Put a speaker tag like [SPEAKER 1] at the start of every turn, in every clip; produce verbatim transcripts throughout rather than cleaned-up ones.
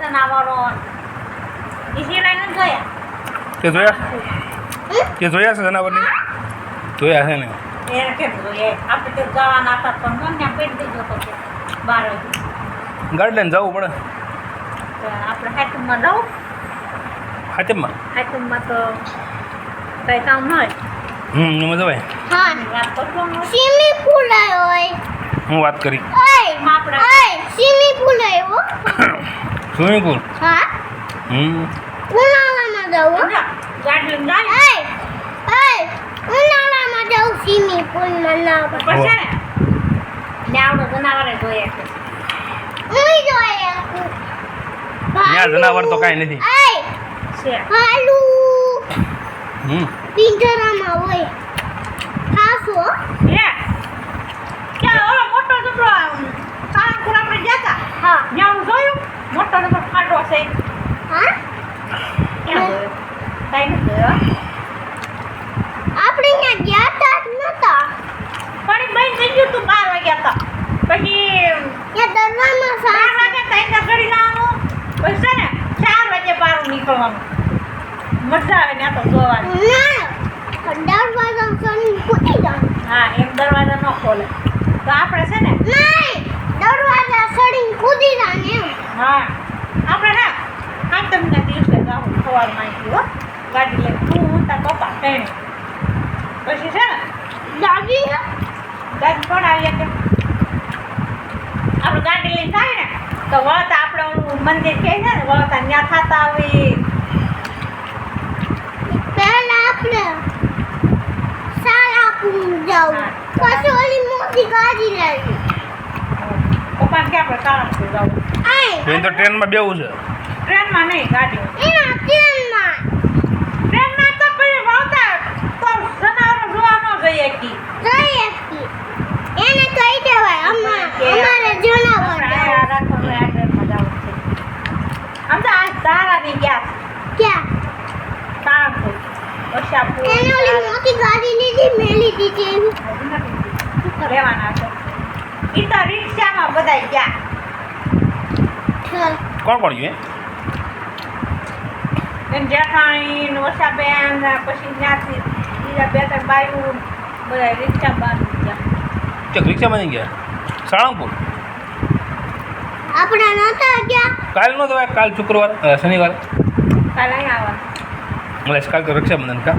[SPEAKER 1] જનાવરો ઈ સિવાય ન જોયા
[SPEAKER 2] તે જોયા તે જોયા છે જનાવરની જોયા છે ને
[SPEAKER 1] એ કેમ જોઈએ આપણે તો જવાના હતા પણ મને પેટ દીધો તો કે બાર વાગે
[SPEAKER 2] ગાડી લઈને જવું પડે
[SPEAKER 1] તો આપણે હાથમાં રહું
[SPEAKER 2] હાથમાં
[SPEAKER 1] હાથમાં તો કઈ કામ ન હોય
[SPEAKER 2] હમ એમાં જવાય
[SPEAKER 3] હા
[SPEAKER 1] વાત કરતો ન હોય
[SPEAKER 3] સ્વિમિંગ પૂલ આવ્યો
[SPEAKER 2] હું વાત કરી
[SPEAKER 3] ઓય
[SPEAKER 1] આપણે
[SPEAKER 3] ઓય સ્વિમિંગ પૂલ આવ્યો
[SPEAKER 2] સ્વિમિંગ પૂલ
[SPEAKER 3] હા
[SPEAKER 2] હમ
[SPEAKER 3] ઉનાળામાં જવું
[SPEAKER 1] સમજા ગાડી લઈને જાય
[SPEAKER 3] ઓય ઓય ઉનાળામાં જવું સ્વિમિંગ પૂલમાં ના
[SPEAKER 1] પછી છે ને ને આવડો જનાવરે જોઈએ છે
[SPEAKER 3] ઉઈ જોઈએ
[SPEAKER 2] ત્યાં જનાવર તો કાંઈ નથી
[SPEAKER 3] ઓય
[SPEAKER 1] છે
[SPEAKER 3] હાલુ
[SPEAKER 2] હમ
[SPEAKER 3] પિંજરામાં હોય ખાસો
[SPEAKER 1] હે ક્યાં ઓલો મોટો જબરો સાળંગપુર આપણે ગયા હતા
[SPEAKER 3] હા
[SPEAKER 1] ત્યાં હું જોયું મોટો જબરો ખાડો છે
[SPEAKER 3] હા
[SPEAKER 1] ક્યાં જોયો કાંઈ નથી જોયો
[SPEAKER 3] આપણે ત્યાં ગયા તા જ નતા
[SPEAKER 1] પાણી બંધ થઈ ગયું તું બાર વાગ્યા હતા પછી
[SPEAKER 3] ત્યાં દરવામાં
[SPEAKER 1] બાર
[SPEAKER 3] સા
[SPEAKER 1] વાગે તાઈ ઘડી લાવવાનું પછી છે ને ચાર વાગે બહાર નીકળવાનું મજા આવે ને આ તો જોવાની
[SPEAKER 3] ના દરવાજા સન કૂદી જાવ
[SPEAKER 1] હા એમ દરવાજા ન ખોલે તો આપણે છે ને
[SPEAKER 3] નહીં દરવાજા સડીને કૂદી જાવ ને એમ
[SPEAKER 1] હા આપણે ને આઠમના દિવસે જાઉં સવારમાં આવી હો ગાડી લઈને તું હું તાર પપ્પા ત્રણે પછી છે ને
[SPEAKER 3] દાદી
[SPEAKER 1] ગાડી પડાવીએ કે આપણે ગાડી લઈને થાય ને તો વળતા આપણે ઓલું મંદિર કહે છે ને વળતા ત્યાં થતા આવી
[SPEAKER 3] પહેલા આપણે સારા કુંડ જાવ
[SPEAKER 1] હા.
[SPEAKER 3] પછી ઓલી મોટી ગાડી લાવી
[SPEAKER 1] પપ્પાને કે આપણે સાળંગપુર જવું
[SPEAKER 3] આય
[SPEAKER 2] એ તો ટ્રેનમાં બેવું છે
[SPEAKER 1] ટ્રેનમાં નહીં ગાડીમાં
[SPEAKER 3] એના ટ્રેનમાં
[SPEAKER 1] ટ્રેનમાં તો પછી વળતા તો જનાવરો જોવા ન જઈએ કી
[SPEAKER 3] જઈ હતી એને કહી દેવાય અમા અમારે જણાવવા જાવ
[SPEAKER 1] રાખવાનું આ ટ્રેનમાં જવું છે આમ તો આ ધારાની ગયા
[SPEAKER 3] ક્યાં
[SPEAKER 1] સાળંગપુર વશાપુર
[SPEAKER 3] એને ઓલી મોટી ગાડી લીધી મેલી દીધી એવી
[SPEAKER 1] રહેવાના છે ઈ તો રિક્ષામાં બધાય ગયા
[SPEAKER 3] ઠ.
[SPEAKER 2] કોણ કોણ ગયું
[SPEAKER 1] એમ જેઠાણી ને વસાબેન ને પછી ત્યાંથી બીજા બે ત્રણ બાયું બધા રિક્ષા બાંધી ગયા
[SPEAKER 2] તે રિક્ષામાં નહીં ગયા સાળંગપુર
[SPEAKER 3] આપણે નતા ગયા
[SPEAKER 2] કાલ નો તો કાલ શુક્રવાર અ, શનિવાર
[SPEAKER 1] કાલે અહીં આવવાનું
[SPEAKER 2] મળે કાલ તો રક્ષાબંધન કા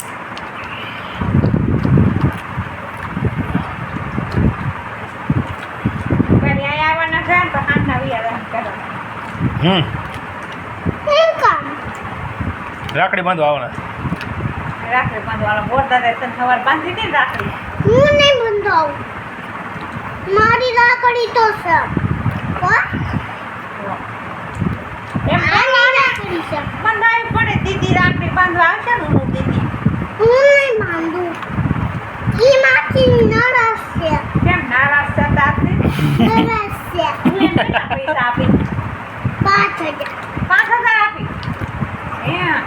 [SPEAKER 1] કાલે અહીં આવવાના છે ને તો સાંજના વિયા કરવાના
[SPEAKER 2] હમ
[SPEAKER 3] શું કામ
[SPEAKER 2] રાખડી બાંધવા આવવાના
[SPEAKER 1] રાખડી બાંધવાના બોરદાદા તને સવાર બાંધી હતી ને રાખડી
[SPEAKER 3] હું નહીં બંધાવું મારી રાખડી તો છે હો?
[SPEAKER 1] એમ
[SPEAKER 3] આની રાખડી છે
[SPEAKER 1] બંધાવી પડે દીદી રાખડી બાંધવા આવશે ને હું દીદી
[SPEAKER 3] હું નહીં બાંધું ઈ માથી નરસ છે
[SPEAKER 1] કેમ નારાજ થતા હતી
[SPEAKER 3] નરસ છે
[SPEAKER 1] હું એને કેટલા પૈસા આપી
[SPEAKER 3] પાંચ હજાર
[SPEAKER 1] પાંચ હજાર આપી હે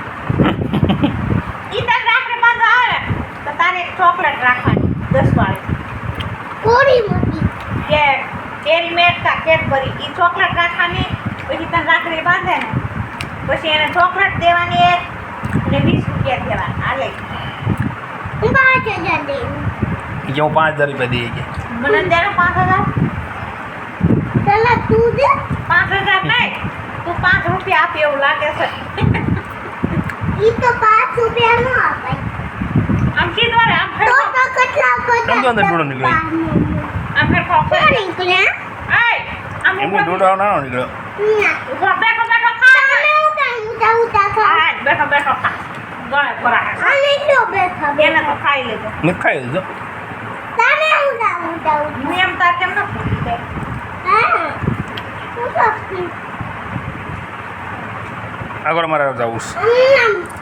[SPEAKER 1] ઈ તારે રાખડી બાંધવા આવે ને તો તારે એક ચોકલેટ રાખવાની દસ વાળી
[SPEAKER 3] કોરી મોટી
[SPEAKER 1] કે કેરી મેટ કા કેડબરી ઈ ચોકલેટ રાખવાની પછી તને રાખડી બાંધે ને પછી એને ચોકલેટ દેવાની એક અને વીસ રૂપિયા દેવાના આ લઈ
[SPEAKER 3] હું પાંચ હજાર દઈ
[SPEAKER 2] એ કે હું પાંચ હજાર રૂપિયા દઈએ કે
[SPEAKER 1] મને દેનો પાંચ હજાર
[SPEAKER 3] પેલા તું દે
[SPEAKER 1] પાંચ હજાર નહીં તું પાંચ રૂપિયા આપી એવું લાગે છે
[SPEAKER 3] ઈ તો પાંચ રૂપિયા નો અપાય
[SPEAKER 1] આમ સીધો રે આમ
[SPEAKER 3] તો
[SPEAKER 1] ફેરફો
[SPEAKER 3] તો કેટલા
[SPEAKER 2] સમજો અંદર ડોળો નીકળે.
[SPEAKER 1] આમ ફેરફો
[SPEAKER 3] કોણ નીકળ્યા
[SPEAKER 1] એય આમ
[SPEAKER 2] એમને
[SPEAKER 1] ઉપર
[SPEAKER 2] દોડો ના નીકળ્યો
[SPEAKER 3] ના
[SPEAKER 1] ઉભો બેઠો બેઠો ખા
[SPEAKER 3] તમે હું કાંઈ ઉતા ઉતા ખા
[SPEAKER 1] હા બેઠો બેઠો ખા ગળે પરાહે
[SPEAKER 3] અને તો બેઠા
[SPEAKER 1] એને તો
[SPEAKER 3] બેઠા
[SPEAKER 1] ખાઈ લેજો
[SPEAKER 2] મેં ખાઈ લીધો
[SPEAKER 3] તમે ઉતા ઉતા ઉતા
[SPEAKER 1] હું એમ તાર કેમ ન પૂછી દે
[SPEAKER 3] હા હું તો
[SPEAKER 2] આગળ મારે જવું છે
[SPEAKER 3] હમ